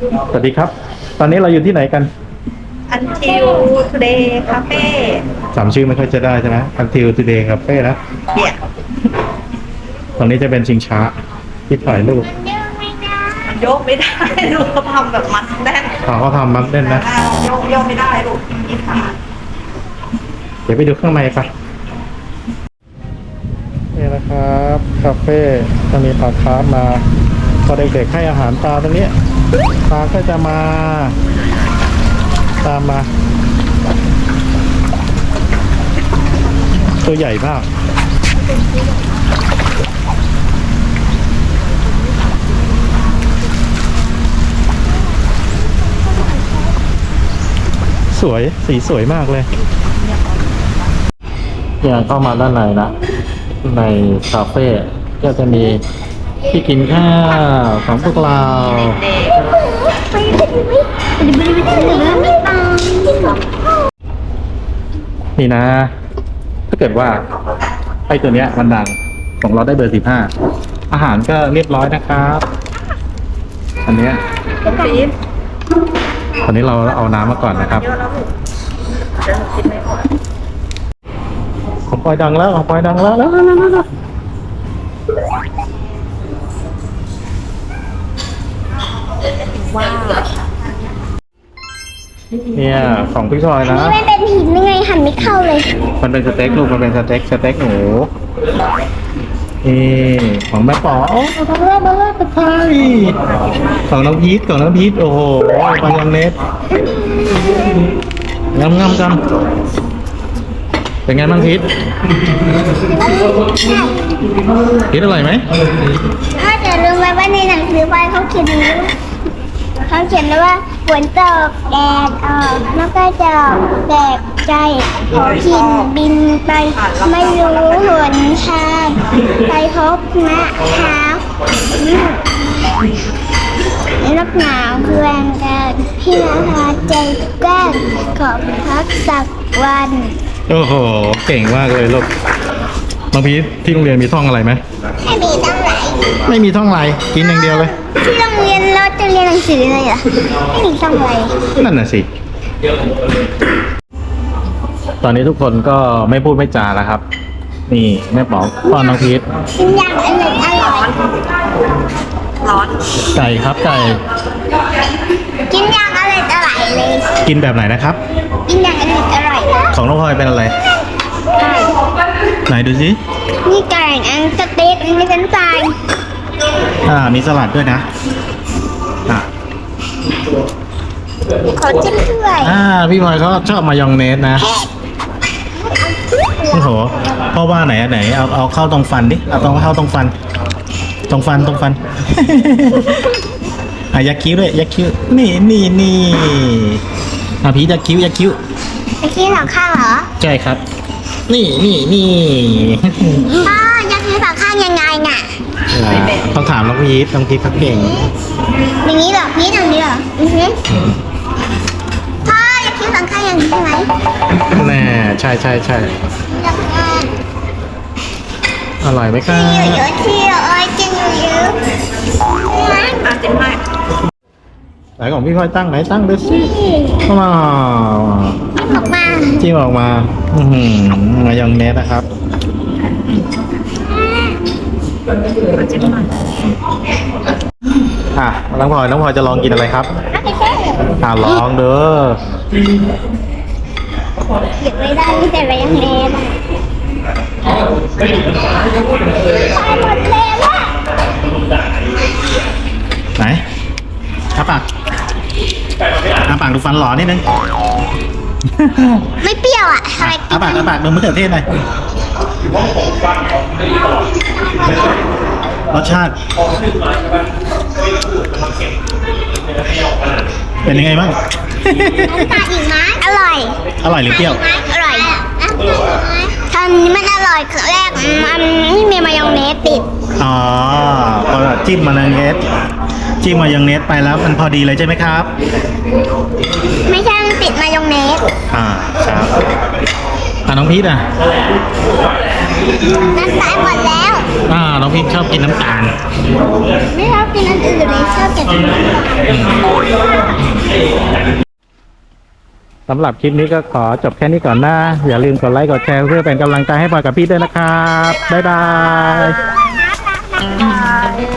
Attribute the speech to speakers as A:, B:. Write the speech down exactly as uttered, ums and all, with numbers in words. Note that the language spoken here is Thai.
A: สวัสดีครับ ตอนนี้เราอยู่ที่ไหนกัน
B: Until Today Cafe
A: จำชื่อไม่ค่อยจะได้ใช่ไหม Until Today Cafe นะ
B: เนี่ย
A: ตรงนี้จะเป็นชิงช้าที่ถ่ายรูป
B: มันโยกไม่ได้ลูกเขาทำแบบมัดแน่น
A: เขาเขาทำมัดเล่นนะ
B: อ่าโยกโยกไม่ได้ลูกยี่ขาด
A: เดี๋ยวไปดูข้างในไปนี่นะครับคาเฟ่จะมีปลาคาร์ฟมาพอเด็กๆให้อาหารปลาตรงนี้ปลาก็จะมาตามมาตัวใหญ่มากสวยสีสวยมากเลยอย่างเข้ามาด้านในนะในคาเฟ่ก็จะมีที่กินข้าวของพวกเรานี่นะ ถ้าเกิดว่าไอ้ตัวเนี้ยมันดังของเราได้เบอร์สิบห้าอาหารก็เรียบร้อยนะครับ อันเนี้ย
B: ปี๊บ
A: ตอนนี้เราเอาน้ำมาก่อนนะครับ
B: เยอะแล้วลูกเดี๋ยวหนูกินไม่หมด
A: ของปอยดังแล้วของปอยดังแล้วแล้วแล้วแล้วแล้วเนี่ยของพี่ชอยนะ
C: นี่ไม่เป็นหินยังไงหันไม่เข้าเลย
A: มันเป็นสเต็กลูกมันเป็นสเต็กสเต็กหมูนี่ของแม่ป๋อโอ้มาแล้วมาแล้วตะไคร้ของน้องพีทของน้องพีทโอ้โหมายองเนสงำงำกันเป็นไงบ้างพีทพีทอร่อยไหม
C: ถ้าจะรู้ไหมว่าในหนังสือวายเขาเขียนอย่างนี้เขาเขียนไว้ว่าฝนตกแดดออกนกกระจอกแตกใจขอขินบินไป ไม่รู้หนทางไปพบนะเท้านักหนาวเพื่อนกันพี่นาใจแกล้งขอพักสักวัน
A: โอ้โหเก่งมากเลยลูกน้องพีทที่โรงเรียนมีท่องอะไรไหม
C: ไม่มีต้องไหน
A: ไม่มีท่องอะไรกินอย่างเดียวเลย
C: ที่โรงเรียนเราจะเรียนหนังสือเลยเหรอไม่มีต้องไหน
A: นั่นน่ะสิ ตอนนี้ทุกคนก็ไม่พูดไม่จาแล้วครับ นี่แม่ป๋องป้อนน้องพีท
C: กินอย่างอร่อยอร่อย
B: ร้อน
A: ไก่ครับไก่
C: กินอย่างอร่อยอร่อยเลย
A: กินแบบไหนนะครับ
C: กินอย่างอร่อยอร่อย
A: ของน้องพลอยเป็นอะไร
C: ไก่
A: ไหนดูสิ
C: นี่ไก่อันสเต็กอันนี้เป็นไฟ
A: อ่ามีสลัดด้วยนะอ่า
C: ขอจิ้มด้วย
A: อ่าพี่พลอยเขาชอบมายองเนสนะโอ้โหพ่อว่าไหนอันไหนเอาเอาเข้าตรงฟันดิเอาตรงเข้าตรงฟัน ตรงฟันตรงฟัน อ่ะยักคิ้วด้วยยักคิ้วนี่นี่นี่อ่ะพียักคิ้วยักคิ้ว
C: ไอ้ที่สองข้างเหรอ
A: ใช่ครับ นี่นี่นี่
C: พ่อยักษ์ที่สองข้างยังไงน่ะ
A: ต้องถามน้องพีทน้องพีทเขาเก่ง
C: อย่างนี้เหรอนี่อย่างนี้เหรออือฮึพ่อยักษ์ที่สองข้างอย่างนี้ใช่ไหม
A: แน่ใช่ใช่ใช่
C: ยักษ์อ่ะ
A: อร่อยไหมครับ
C: ที่เยอะๆที่เยอะๆกินเยอะๆ
B: อ่ะจิ้มให้
A: ไหนของพี่พลอยตั้งไหนตั้งดูสิว้าว
C: ออกมา
A: จิ้มออกมาอือหือมายองเนสนะครับ
B: มาจิ้มหน่อย
A: อ่ะน้องพลอยน้องพลอยจะลองกินอะไรครับ
C: ไม่ใช่
A: อ่ะลองเด้อ
C: เก็บไม่ได้ไม่แต่ไปยังเล่นตายหมดแล้วอะ
A: ไหนอ้าปากอ้าปากดูฟันหล่อนิดนึง
C: ไม่เปรี้ยวอ่ะทำไม
A: อ้าปากอ้าปากดูมะเขือเทศหน่อยรสชาติ เป็นยังไงบ้าง
C: ตาอีกไหมอร่อย
A: อร่อยหรือเปรี้ยว
C: อร่อยตอนนี้มันอร่อยครั้งแรกมันไม่มีมายองเนสติด
A: อ๋อพอจิ้มมายองเนสจิ้มมายองเนสไปแล้วมันพอดีเลยใช่ไหมครับ
C: ไม่ใช่มันติดมายองเนส
A: อ่าครับอ่าน้องพีทอ่ะ
C: น้ำตาลหมดแล้ว
A: อ่าน้องพิมชอบกินน้ำตาล
C: ไม่ชอบกินอันอื่นเลยชอบแต่กินน้ำตาล
A: สำหรับคลิปนี้ก็ขอจบแค่นี้ก่อนนะ อย่าลืมกดไลค์กดแชร์เพื่อเป็นกำลังใจให้พลอยกับพี่ด้วยนะครับ บ๊ายบาย
C: น้ำตาล